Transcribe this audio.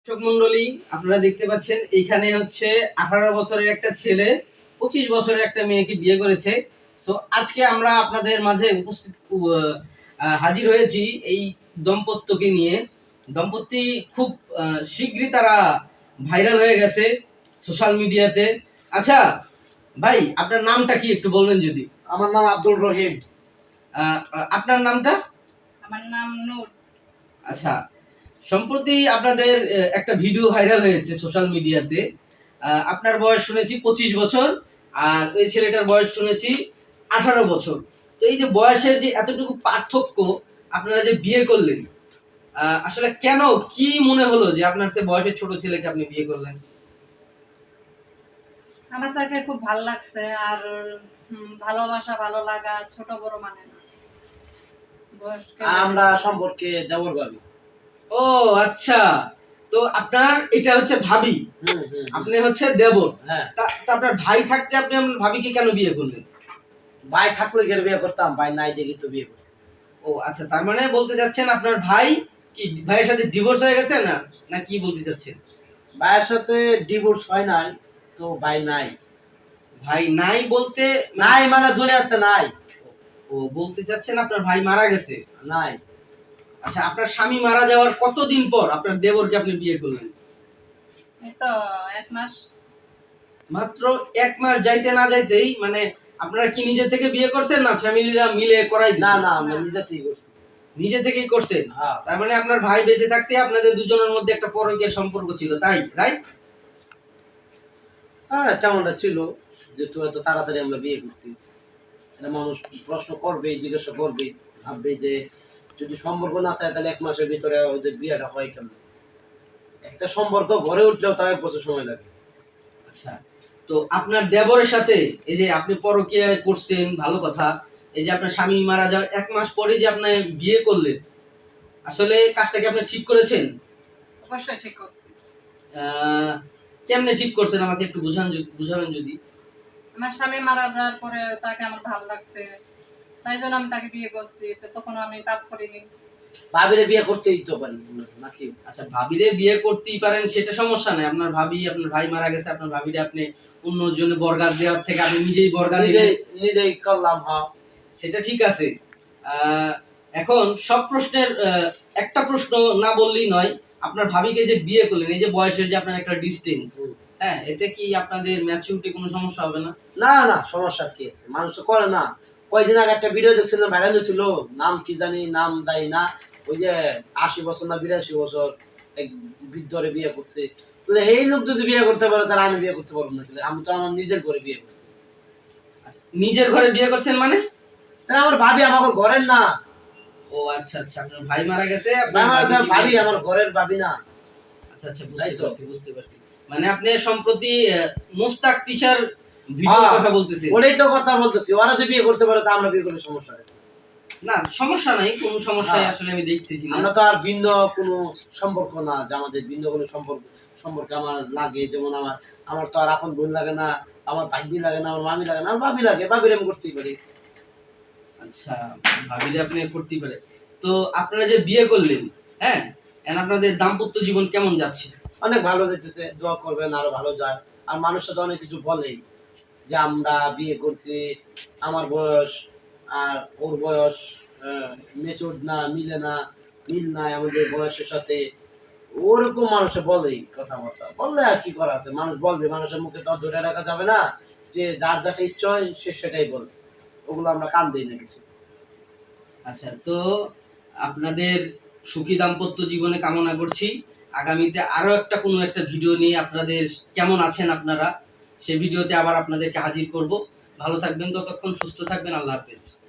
দর্শক মন্ডলী, আপনারা দেখতে পাচ্ছেন এইখানে হচ্ছে 18 বছরের একটা ছেলে 25 বছরের একটা মেয়েকে বিয়ে করেছে। সো আজকে আমরা আপনাদের মাঝে হাজির হয়েছি এই দম্পত্যকে নিয়ে। দম্পতি খুব শীঘ্রই তারা ভাইরাল হয়ে গেছে সোশ্যাল মিডিয়াতে। আচ্ছা ভাই, আপনার নামটা কি একটু বলবেন যদি? আমার নাম আব্দুল রহিম। আপনার নামটা? আমার নাম নূর। আচ্ছা, সম্প্রতি আপনাদের একটা ভিডিও ভাইরাল হয়েছে সোশ্যাল মিডিয়াতে। আপনার বয়স শুনেছি 25 বছর, আর ওই ছেলেটার বয়স শুনেছি 18 বছর। তো এই যে বয়সের যে এতটুকু পার্থক্য, আপনারা যে বিয়ে করলেন, আসলে কেন, কি মনে হলো যে আপনার চেয়ে বয়সের ছোট ছেলেকে আপনি বিয়ে করলেন? আমার তাকে খুব ভালো লাগছে, আর ভালোবাসা ভালো লাগা ছোট বড় মানে না, আমরা সম্পর্কে দেবর ভাবি। ও আচ্ছা, তো আপনার এটা হচ্ছে ভাবি, আপনি হচ্ছে দেবর। হ্যাঁ। তা আপনার ভাই থাকতে আপনি আপনার ভাবিকে কেন বিয়ে করলেন? ভাই থাকলে গেলে বিয়ে করতাম, ভাই নাই দেখি তো বিয়ে করছি। ও আচ্ছা, তার মানে বলতে চাচ্ছেন আপনার ভাই কি ভাইয়ের সাথে ডিভোর্স হয়ে গেছে না, না কি বলতে চাচ্ছেন? ভাইয়ের সাথে ডিভোর্স হয় নাই, তো ভাই নাই। ভাই নাই বলতে নাই মানে দুনিয়াতে নাই। ও বলতে চাচ্ছেন আপনার ভাই মারা গেছে? নাই। আচ্ছা, আপনার স্বামী মারা যাওয়ার কতদিন পর আপনার দেবরকে আপনি বিয়ে করলেন? এই তো 1 মাস। মাত্র 1 মাস যাইতে না যাইতেই, মানে আপনারা কি নিজে থেকে বিয়ে করছেন না ফ্যামিলিরা মিলে করাই দিয়েছে? না না, আমরা নিজে থেকেই করছি। নিজে থেকেই করছেন? হ্যাঁ। তার মানে আপনার ভাই বেঁচে থাকতে আপনাদের দুজনের মধ্যে একটা পরকীয়া সম্পর্ক ছিল, তাই রাইট? হ্যাঁ, তেমনটা ছিল, যেহেতু এত তাড়াতাড়ি আমরা বিয়ে করছি। এটা মানুষ প্রশ্ন করবে, জিজ্ঞাসা করবে, ভাববে যে যদি সম্পর্ক না থাকে তাহলে 1 মাসের ভিতরে ওদের বিয়েটা হয় কেমন? একটা সম্পর্ক গড়ে উঠলেও তাও 1 বছর সময় লাগে। আচ্ছা, তো আপনার দেবরের সাথে এই যে আপনি পরকীয়া করছেন, ভালো কথা। এই যে আপনার স্বামী মারা যাওয়ার 1 মাস পরে যে আপনি বিয়ে করলেন, আসলে কাজটা কি আপনি ঠিক করেছেন? অবশ্যই ঠিক করছি। কেমনে ঠিক করছেন আমাকে একটু বুঝাবেন যদি? আমার স্বামী মারা যাওয়ার পরে তাকে আমার ভালো লাগছে, তাই জন্য আমি তাকে বিয়ে করছি। তো তখন আমি পাপ করিনি। ভাবিরে বিয়ে করতেই তো পারি নাকি? আচ্ছা, ভাবিরে বিয়ে করতেই পারেন, সেটা সমস্যা নাই। আপনার ভাবি, আপনার ভাই মারা গেছে, আপনার ভাবিরে আপনি অন্যজনে বরগাদ দেওয়ার থেকে আপনি নিজেই বরগাদ দিলেন, নিজেই করলাম। হ্যাঁ, সেটা ঠিক আছে। এখন সব প্রশ্নের একটা প্রশ্ন না বললেই নয়। আপনার ভাবিকে যে বিয়ে করলেন, এই যে বয়সের যে আপনার একটা ডিসটেন্স, হ্যাঁ, এতে কি আপনাদের ম্যাচুরিটি কোনো সমস্যা হবে না? না না, সমস্যা কি আছে? মানুষ তো করে না। কয়েকদিন আগে একটা ভিডিও দেখছিলাম, ভাইরাল হয়েছিল, নাম কি জানি, নাম দেয় না, ওই যে 80 বছর না 82 বছর এক বৃদ্ধরে বিয়ে করছে। তো এই লোক যদি বিয়ে করতে পারে তাহলে আমি বিয়ে করতে পারবো না? আমি তো আমার নিজের ঘরে বিয়ে করছি। নিজের ঘরে বিয়ে করছেন মানে? তাহলে আমার ভাবি আমার ঘরের না। ও আচ্ছা আচ্ছা, আপনার ভাই মারা গেছে, ভাবি আমার ঘরের ভাবি না। আচ্ছা আচ্ছা, বুঝতে পারছি। মানে আপনি সম্প্রতি মুস্তাক তিশার ভিডিওর কথা বলতেছেন? ওটাই তো কথা বলতেছি, ওরা যদি বিয়ে করতে পারে তা আমরা বিয়ে করলে সমস্যা নেই। না, সমস্যা নাই, কোনো সমস্যাই আসলে আমি দেখতেছি না। আমরা তো আর ভিন্ন কোনো সম্পর্ক না যে আমাদের ভিন্ন কোনো সম্পর্কে আমার লাগে। যেমন আমার তো আর আপন বোন লাগে না, আমার ভাগ্নি লাগে না, আমার মামি লাগে না, আমার ভাবি লাগে, ভাবির আমি করতেই পারি। আচ্ছা, ভাবিলে আপনি করতেই পারে। তো আপনারা যে বিয়ে করলেন, হ্যাঁ, এখন আপনাদের দাম্পত্য জীবন কেমন যাচ্ছে? অনেক ভালো যাইতেছে, দোয়া করবেন আরো ভালো যায়। আর মানুষ তো অনেক কিছু বলেই যে আমরা বিয়ে করছি, আমার বয়স আর ওর বয়স মেচুর না, মিলে না, মিল নাই আমাদের বয়সের সাথে। ওরকম মানুষে বলেই, কথাবার্তা বললে আর কি করা আছে? মানুষ বলবে, মানুষের মুখে তো ধরে রাখা যাবে না যে যার যাকে ইচ্ছা হয় সে সেটাই বলবে। ওগুলো আমরা কান দিই না কিছু। আচ্ছা, তো আপনাদের সুখী দাম্পত্য জীবনে কামনা করছি। আগামীতে আরো একটা কোনো একটা ভিডিও নিয়ে আপনাদের কেমন আছেন আপনারা, সেই ভিডিওতে আবার আপনাদেরকে হাজির করব। ভালো থাকবেন, ততক্ষণ সুস্থ থাকবেন। আল্লাহ হাফেজ।